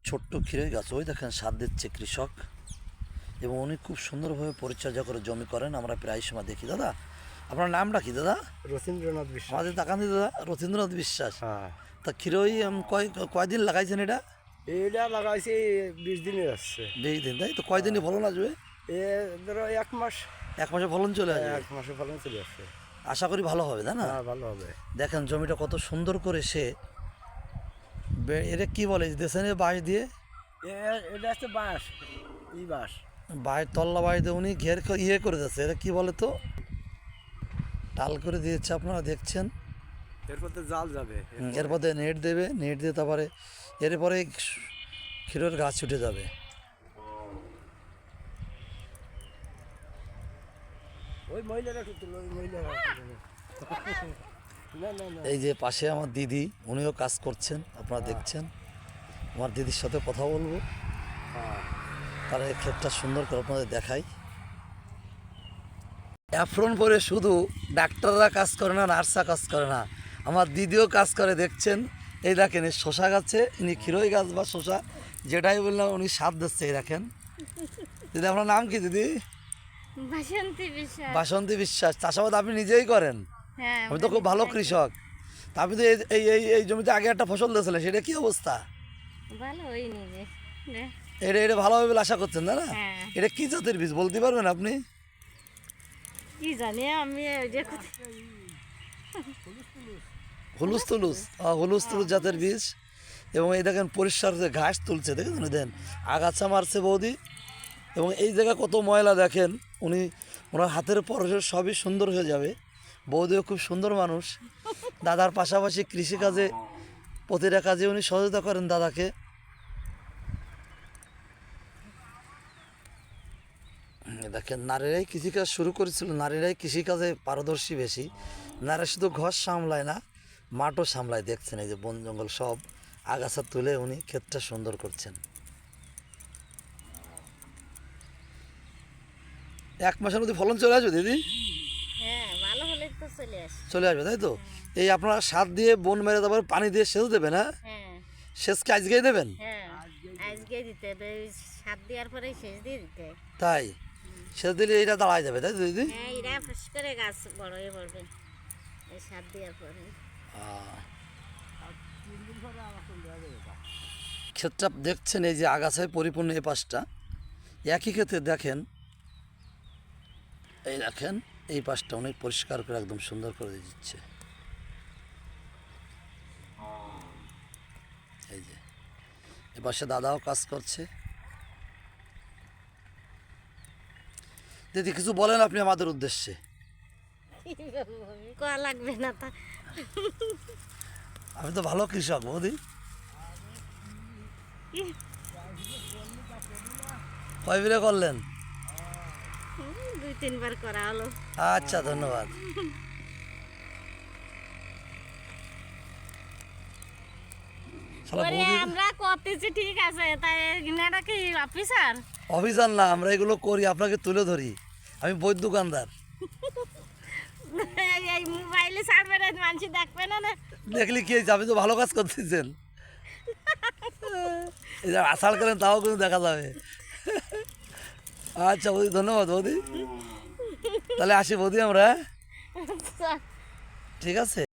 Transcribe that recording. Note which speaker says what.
Speaker 1: ছোট্ট ক্ষীরের গাছ, ওই দেখেন সার দিচ্ছে কৃষক, এবং উনি খুব সুন্দরভাবে পরিচর্যা করে জমি করেন। আমরা প্রায় সময় দেখি। দাদা, আপনার নামটা কি দাদা?
Speaker 2: রথীন্দ্রনাথ বিশ্বাস।
Speaker 1: আমাদের তাকান দিই দাদা, রথীন্দ্রনাথ বিশ্বাস।
Speaker 2: হ্যাঁ,
Speaker 1: তা ক্ষীরই কয়দিন লাগাইছেন এটা?
Speaker 2: এটা লাগাইছি 20 দিনের আসছে।
Speaker 1: 20 দিন, তাই তো? কয়দিনই ফলন আসবে?
Speaker 2: এ ধরো 1 মাস।
Speaker 1: 1 মাসে ফলন চলে আসবে?
Speaker 2: 1 মাসে ফলন চলে আসছে।
Speaker 1: আশা করি ভালো হবে, তাই না?
Speaker 2: হ্যাঁ, ভালো হবে।
Speaker 1: দেখেন জমিটা কত সুন্দর করে সে এটা কি বলে দেশের বাঁশ দিয়ে,
Speaker 2: এটা হচ্ছে বাঁশ, বাঁশ।
Speaker 1: বাঁশ তল্লা বাঁশ দিয়ে উনি ইয়ে করে দিচ্ছে। এটা কি বলে তো, টাল করে দিয়েছে, আপনারা দেখছেন।
Speaker 2: এরপর তো জাল যাবে।
Speaker 1: এরপর নেট দেবে, নেট দিয়ে তারপরে এরপরে ক্ষীরের গাছ উঠে যাবে।
Speaker 2: ওই মহিলারা তুলছিল, ওই মহিলারা। না না না,
Speaker 1: এই যে পাশে আমার দিদি, উনিও কাজ করছেন, আপনারা দেখছেন। আমার দিদির সাথে কথা বলবো, তারা এই ক্ষেতটা সুন্দর করে আপনাদের দেখাই। অ্যাফ্রন পরে শুধু ডাক্তাররা কাজ করে না, নার্সরা কাজ করে না, আমার দিদিও কাজ করে, দেখছেন। এই দেখেন এই শশা গাছে, ইনি ক্ষীরই গাছ বা শশা যেটাই বললাম, উনি স্বাদ দিচ্ছে। এই দেখেন দিদি, আপনার নাম কি দিদি?
Speaker 3: বাসন্তী বিশ্বাস।
Speaker 1: বাসন্তী বিশ্বাস। চাষাবাদ আপনি নিজেই করেন?
Speaker 3: হ্যাঁ,
Speaker 1: আমি তো খুব ভালো কৃষক। তা আপনি তো এই এই এই এই জমিতে আগে একটা ফসল দিয়েছিলেন, সেটা কি অবস্থা?
Speaker 3: ভালো হয়নি যে।
Speaker 1: এটা এটা ভালো হবে বলে আশা করছেন, তাই না?
Speaker 3: হ্যাঁ।
Speaker 1: এটা কি জাতের বীজ বলতে পারবেন আপনি?
Speaker 3: কি জানি আমি ওই যে
Speaker 1: হুলুস তুলুস, হুলুস তুলুস জাতের বীজ। এবং এই দেখেন পরিষ্কার যে ঘাস তুলছে, দেখেছেন? দেন আগাছা মারছে বৌদি। এবং এই জায়গায় কত ময়লা দেখেন। উনি ওনার হাতের পরশে সবই সুন্দর হয়ে যাবে। বৌদিও খুব সুন্দর মানুষ। দাদার পাশাপাশি কৃষিকাজে প্রতিটা কাজে উনি সহযোগিতা করেন দাদাকে। দেখেন নারীরাই কৃষিকাজ শুরু করেছিল, নারীরাই কৃষিকাজে পারদর্শী বেশি। নারী শুধু ঘর সামলায় না, মাঠও সামলায়। দেখছেন এই যে বন জঙ্গল সব আগাছা তুলে উনি ক্ষেতটা সুন্দর করছেন। 1 মাসের মধ্যে ফলন চলে আসবে দিদি?
Speaker 3: হ্যাঁ, ভালো হলে তো চলে আসে।
Speaker 1: চলে আসবে, তাই তো? এই আপনারা সার দিয়ে বন মেরে তারপর পানি দিয়ে সেচ দেবেন? হ্যাঁ,
Speaker 3: হ্যাঁ
Speaker 1: সেচ কি আজকেই দেবেন?
Speaker 3: হ্যাঁ, আজকে দিতে হবে। ওই সাত দেওয়ার পরে শেষ দিয়ে দিতে হয়।
Speaker 1: তাই সেচ দিলে এটা দাঁড়ায় যাবে, তাই তো দিদি?
Speaker 3: হ্যাঁ, এরা ফস করে গাছ বড় হয়ে পড়বে এই সাত দেওয়ার পরে।
Speaker 1: ক্ষেতটা দেখছেন, এই যে আগাছায় পরিপূর্ণ। এই পাশটা একই ক্ষেত্রে দেখেন, এই দেখেন এই পাশটা অনেক পরিষ্কার করে একদম সুন্দর করে দিচ্ছে। এই যে এ পাশে দাদাও কাজ করছে। দিদি কিছু বলেন আপনি আমাদের উদ্দেশ্যে।
Speaker 3: কোয়া লাগবে না তা।
Speaker 1: আমি তো ভালো কৃষক বৌদি। কয় বিলে করলেন?
Speaker 3: 2-3 বার করা হলো।
Speaker 1: আচ্ছা, ধন্যবাদ। শালা
Speaker 3: ওরে
Speaker 1: বৌদি
Speaker 3: আমরা করতেছি ঠিক আছে, তাই এনারা কি অফিসার?
Speaker 1: অভিযান না, আমরা এগুলো করি, আপনাকে তুলে ধরি। আমি বই দোকানদার।
Speaker 3: এই মোবাইলে ছাড়বে না, মানুষ দেখবে না না।
Speaker 1: দেখলি কি হয়েছে? আপনি তো ভালো কাজ করতেছেন। এই যে আষাঢ় করেন তাও কিন্তু দেখা যাবে। আচ্ছা বৌদি, ধন্যবাদ বৌদি। তাহলে আসি বৌদি আমরা, হ্যাঁ? ঠিক আছে।